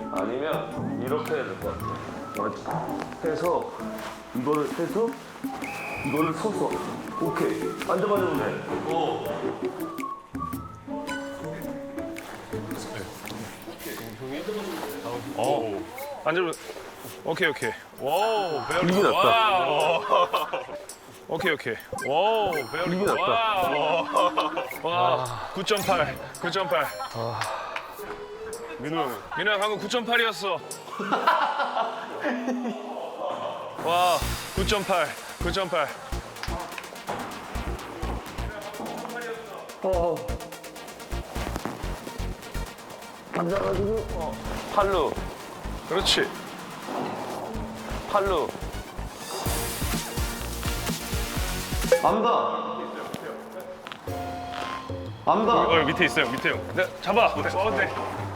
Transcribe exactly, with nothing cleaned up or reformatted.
아니면 이렇게 해야 될 것 같아. 맞지? 해서 이거를 해서 이거를 서서 오케이 앉아봐주면 돼. 오. 어. 앉으면 오케이 오케이. 와우. 베리 이게 낫다. 와우. 오케이 오케이. 와우. 베리 이게 낫다. 와. 구 점 팔. 구 점 팔. 민우 형. 민호 형 방금 구 점 팔이었어. 와. 구 점 팔. 구 점 팔. 어. 앉아가지고 어. 팔로 그렇지. 팔로. 안다. 안다. 어, 밑에 있어요. 밑에 형. 네, 잡아. 어, 네.